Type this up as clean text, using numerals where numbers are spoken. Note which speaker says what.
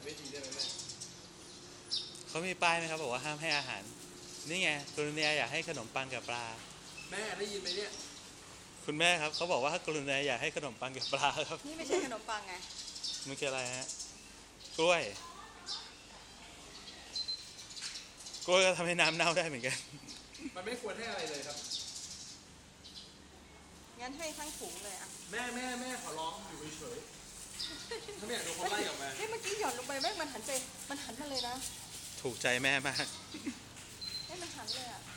Speaker 1: วิธีได้ไหมแม่
Speaker 2: เขามีป้ายไหมครับบอกว่าห้ามให้อาหารนี่ไงกรุณาอย่าให้ขนมปังกับปลา
Speaker 1: แม่ได้ยินไหมเนี่ย
Speaker 2: คุณแม่ครับเขาบอกว่าถ้ากรุณาอย่าให้ขนมปังกับปลาครับ
Speaker 3: นี่ไม่ใช่ขนมปังไง
Speaker 2: มันคืออะไรฮะกล้วยกล้วยก็ทำให้น้ำเน่าได้เหมือนกัน
Speaker 1: มันไม่ควรให้อะไรเลยครับ
Speaker 3: งั้นให้ทั้งถุงเลยอะ
Speaker 1: แม่ขอร้องอยู่เฉยๆถ้าไม่อยากโดนเขาไล่ออกมา
Speaker 3: เมื่อกี้หย่อนลงไปแม่งมันหันมาเลยนะ
Speaker 2: ถูกใจแม่มาก
Speaker 3: มันหันเลยอะ